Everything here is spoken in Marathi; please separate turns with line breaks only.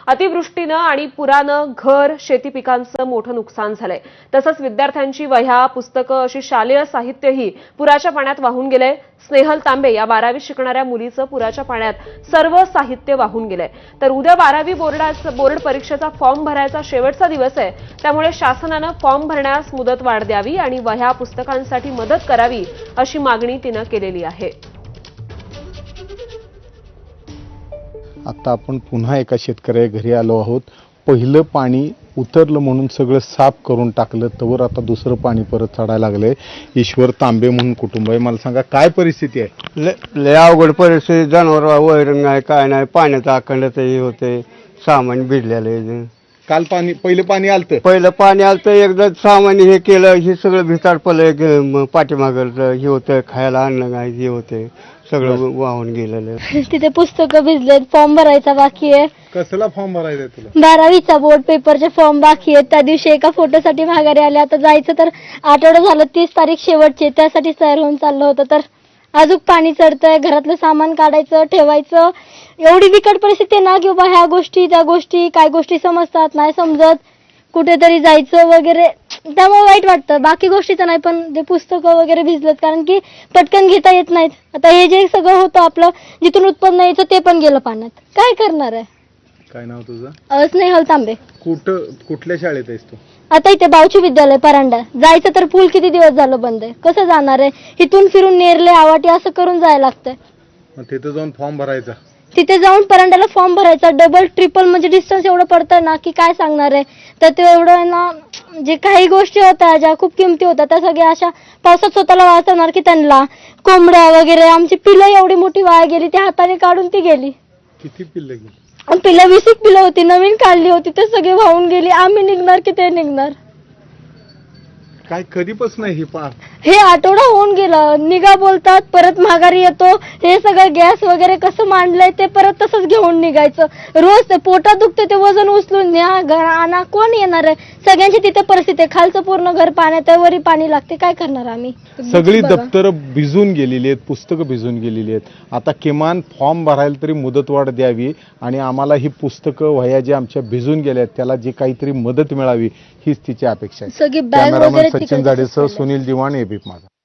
अतिवृष्टीनं आणि पुरानं घर शेती पिकांचं मोठं नुकसान झालंय। तसंच विद्यार्थ्यांची वह्या पुस्तकं अशी शालेय साहित्यही पुराच्या पाण्यात वाहून गेलंय। स्नेहल तांबे या 12वी शिकणाऱ्या मुलीचं पुराच्या पाण्यात सर्व साहित्य वाहून गेलंय। तर उद्या 12वी बोर्ड परीक्षेचा फॉर्म भरायचा शेवटचा दिवस आहे, त्यामुळे शासनानं फॉर्म भरण्यास मुदतवाढ द्यावी आणि वह्या पुस्तकांसाठी मदत करावी अशी मागणी तिनं केलेली आहे।
आता आपण पुन्हा एका शेतकऱ्याच्या घरी आलो आहोत। पहिलं पाणी उतरलं म्हणून सगळं साफ करून टाकलं, तवर आता दुसरं पाणी परत चढायला लागलंय। ईश्वर तांबे म्हणून कुटुंब आहे, मला सांगा काय परिस्थिती आहे?
लय अवघड परिस्थिती, जनावर वैरण नाही काय नाही, पाण्याचा अखंडता हे होते, सामान भिडलेलं आहे।
काल पहिलं पाणी आलतं,
पहिलं पाणी आलं एकदा सामान हे केलं, हे सगळं भिताड पडलं, पाठीमागं हे होतं, खायला अन्न नाही हे होते, सगळं वाहून गेलेलं।
तिथे पुस्तकं भिजलेत, फॉर्म भरायचा बाकी आहे।
कसला फॉर्म भरायचा तुला?
12वीचा बोर्ड पेपरचे फॉर्म बाकी आहेत। त्या दिवशी एका फोटोसाठी माघारी आले, आता जायचं तर आठवडा झालं, 30 तारीख शेवटची, त्यासाठी तयार होऊन चाललं होतं, तर अजून पाणी चढतंय, घरातलं सामान काढायचं ठेवायचं, एवढी बिकट परिस्थिती ना की बाबा ह्या गोष्टी त्या गोष्टी, काय गोष्टी समजतात नाही समजत, कुठेतरी जायचं वगैरे, त्यामुळे वाईट वाटतं। बाकी गोष्टीचं नाही, पण ते पुस्तकं वगैरे भिजलेत, कारण की पटकन घेता येत नाहीत। आता हे जे सगळं होतं आपलं जिथून उत्पन्न यायचं ते पण गेलं पाण्यात, काय करणार आहे?
काय नाव तुझं?
स्नेहल तांबे।
कुठल्या शाळेत आहेस तू?
आता इथे बावची विद्यालय परांडा, जायचं तर पूल किती दिवस झालं बंद आहे, कसं जाणार आहे? इथून फिरून नेरले आवाटी असं करून जायला लागतंय।
मग तिथे जाऊन फॉर्म भरायचा?
तिथे जाऊन परांड्याला फॉर्म भरायचा, डबल ट्रिपल म्हणजे डिस्टन्स एवढं पडतं ना की काय सांगणार आहे। तर ते एवढं ना, जे काही गोष्टी होत्या ज्या खूप किमती होत्या त्या सगळ्या अशा पावसात स्वतःला वाचवणार की त्यांना, कोंबड्या वगैरे, आमची पिलं एवढी मोठी वाया गेली, ती हाताने काढून ती गेली।
किती पिल्लं गेली?
पिलं 20 पिलं होती, नवीन काढली होती, ते सगळे वाहून गेली। आम्ही निघणार की ते निघणार?
काय कधीपासून ही पार?
हे आठवडा होऊन गेलं, निघा बोलतात, परत माघारी येतो, हे सगळं गॅस वगैरे कसं मांडलंय ते परत तसंच घेऊन निघायचं। रोज ते पोटात दुखते, ते वजन उचलून न्या, घर आणा, कोण येणार आहे? सगळ्यांची तिथे परिस्थिती आहे, खालचं पूर्ण घर पाण्यात आहे, वरी पाणी लागते, काय करणार आम्ही?
सगळी दप्तरं भिजून गेलेली आहेत, पुस्तकं भिजून गेलेली आहेत। आता किमान फॉर्म भरायला तरी मुदतवाढ द्यावी आणि आम्हाला ही पुस्तकं वह्या ज्या आमच्या भिजून गेल्या आहेत त्याला जी काहीतरी मदत मिळावी हीच तिची अपेक्षा आहे।
सगळी बॅग
कॅमेरामन
वगैरे
सचिन
तिकडे
जाडेसह सुनील दिवाण, एबीपी माझा।